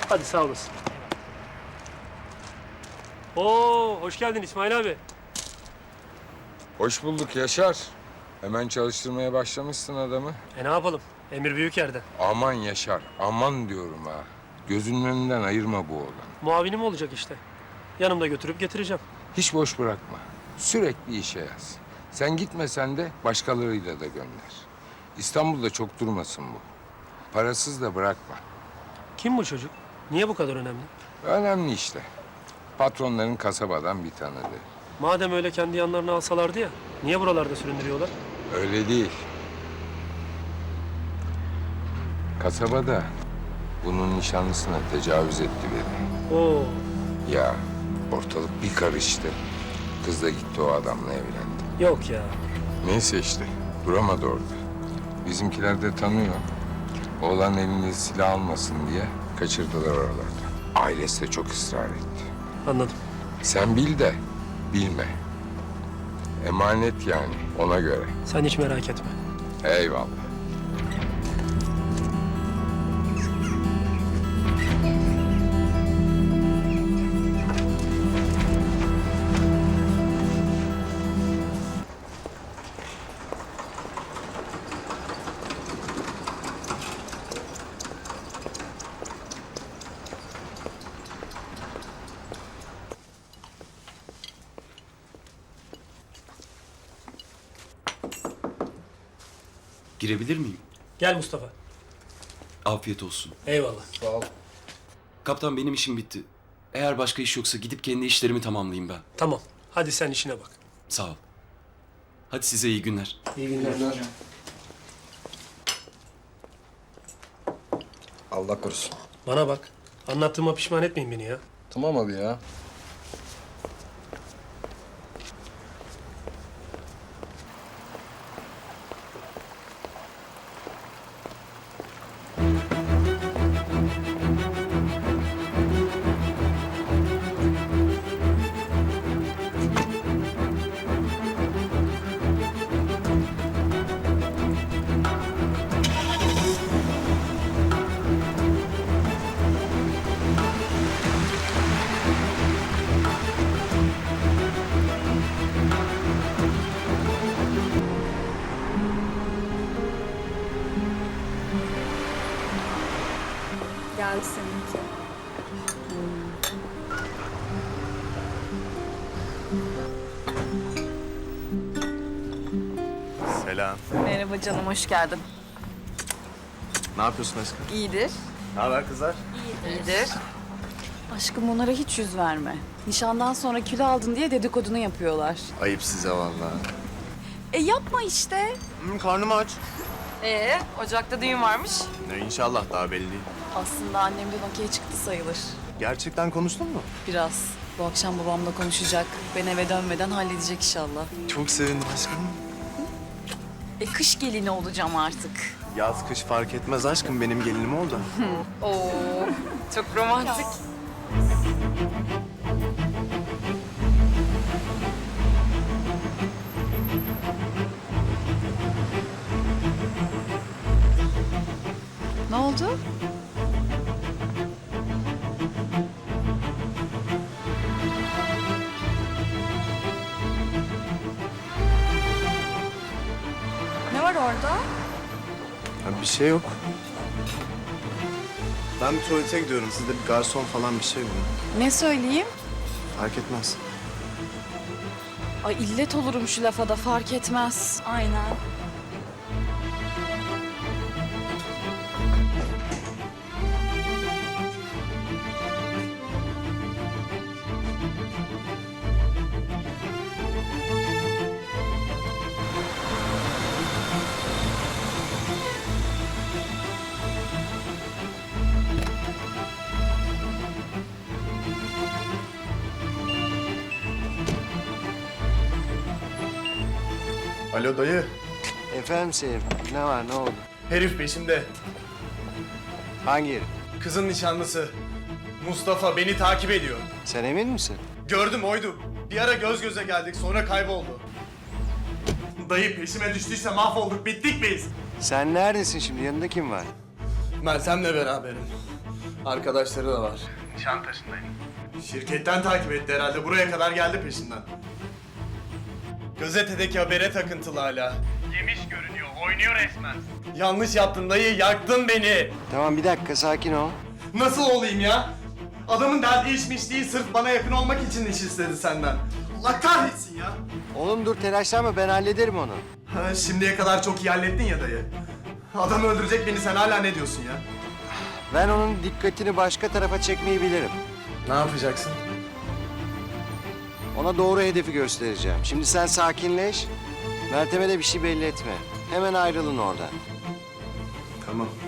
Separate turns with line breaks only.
Hadi sağ olasın. Oo, hoş geldin İsmail abi.
Hoş bulduk Yaşar. Hemen çalıştırmaya başlamışsın adamı.
Ne yapalım? Emir büyük yerden.
Aman Yaşar, aman diyorum ha. Gözünün önünden ayırma bu oğlanı.
Muavinim olacak işte. Yanımda götürüp getireceğim.
Hiç boş bırakma. Sürekli işe yaz. Sen gitmesen de başkalarıyla da gönder. İstanbul'da çok durmasın bu. Parasız da bırakma.
Kim bu çocuk? Niye bu kadar önemli?
Önemli işte. Patronların kasabadan bir tanıdığı.
Madem öyle kendi yanlarına alsalardı ya, niye buralarda süründürüyorlar?
Öyle değil. Kasabada bunun nişanlısına tecavüz etti biri.
Oo,
Ya ortalık bir karıştı. Kız da gitti o adamla evlendi.
yok ya.
Neyse işte duramadı orada. Bizimkiler de tanıyor. Oğlan elinde silah almasın diye kaçırdılar oralarda. Ailesi de çok ısrar etti.
Anladım.
Sen bil de bilme. Emanet yani ona göre.
Sen hiç merak etme.
Eyvallah.
Girebilir miyim?
Gel Mustafa.
Afiyet olsun.
Eyvallah.
Kaptan benim işim bitti. Eğer başka iş yoksa gidip kendi işlerimi tamamlayayım ben.
Tamam. Hadi sen işine bak.
Sağ ol. Hadi size iyi günler.
İyi günler.
Allah korusun.
Bana bak. Anlattığıma pişman etmeyin beni ya.
Tamam abi ya.
Geldi seninki.
Selam.
Merhaba canım, hoş geldin.
Ne yapıyorsun aşkım?
İyidir.
Ne haber kızlar?
İyidir. Aşkım onlara hiç yüz verme. Nişandan sonra kilo aldın diye dedikodunu yapıyorlar.
Ayıp size vallahi.
Yapma işte.
Karnım aç.
Ocakta düğün varmış.
İnşallah daha belli değil.
Aslında annemden okey çıktı sayılır.
Gerçekten konuştun mu?
Biraz. Bu akşam babamla konuşacak. Ben eve dönmeden halledecek inşallah.
Çok sevindim aşkım.
Kış gelini olacağım artık.
Yaz kış fark etmez aşkım benim gelinim oldu.
Oo, çok romantik. Ne oldu? Ne var orada?
Bir şey yok. Ben bir tuvalete gidiyorum. Siz de bir garson falan bir şey bulun.
Ne söyleyeyim?
Fark etmez.
Ay illet olurum şu lafa da fark etmez. Aynen.
Alo dayı.
Efendim Sevim, ne var, ne oldu?
Herif peşimde.
Hangi herif?
Kızın nişanlısı. Mustafa beni takip ediyor.
Sen emin misin?
Gördüm oydu. Bir ara göz göze geldik sonra kayboldu. Dayı peşime düştüyse mahvolduk. Bittik biz.
Sen neredesin şimdi, yanında kim var?
Meltem'le beraberim. Arkadaşları da var. Nişantaşı'ndayım. Şirketten takip etti herhalde. Buraya kadar geldi peşinden. Gazetedeki habere takıntılı hala. Yemiş görünüyor, oynuyor resmen. Yanlış yaptın dayı, yaktın beni.
Tamam bir dakika sakin ol.
Nasıl olayım ya? Adamın derdi içmiş değil, sırf bana yakın olmak için iş istedi senden. Allah kahretsin ya.
Oğlum dur telaşlanma ben hallederim onu.
Ha, şimdiye kadar çok iyi hallettin ya dayı. Adam öldürecek beni, sen hala ne diyorsun ya?
Ben onun dikkatini başka tarafa çekmeyi bilirim.
Ne yapacaksın?
Ona doğru hedefi göstereceğim. Şimdi sen sakinleş. Meltem'e de bir şey belli etme. Hemen ayrılın oradan.
Tamam.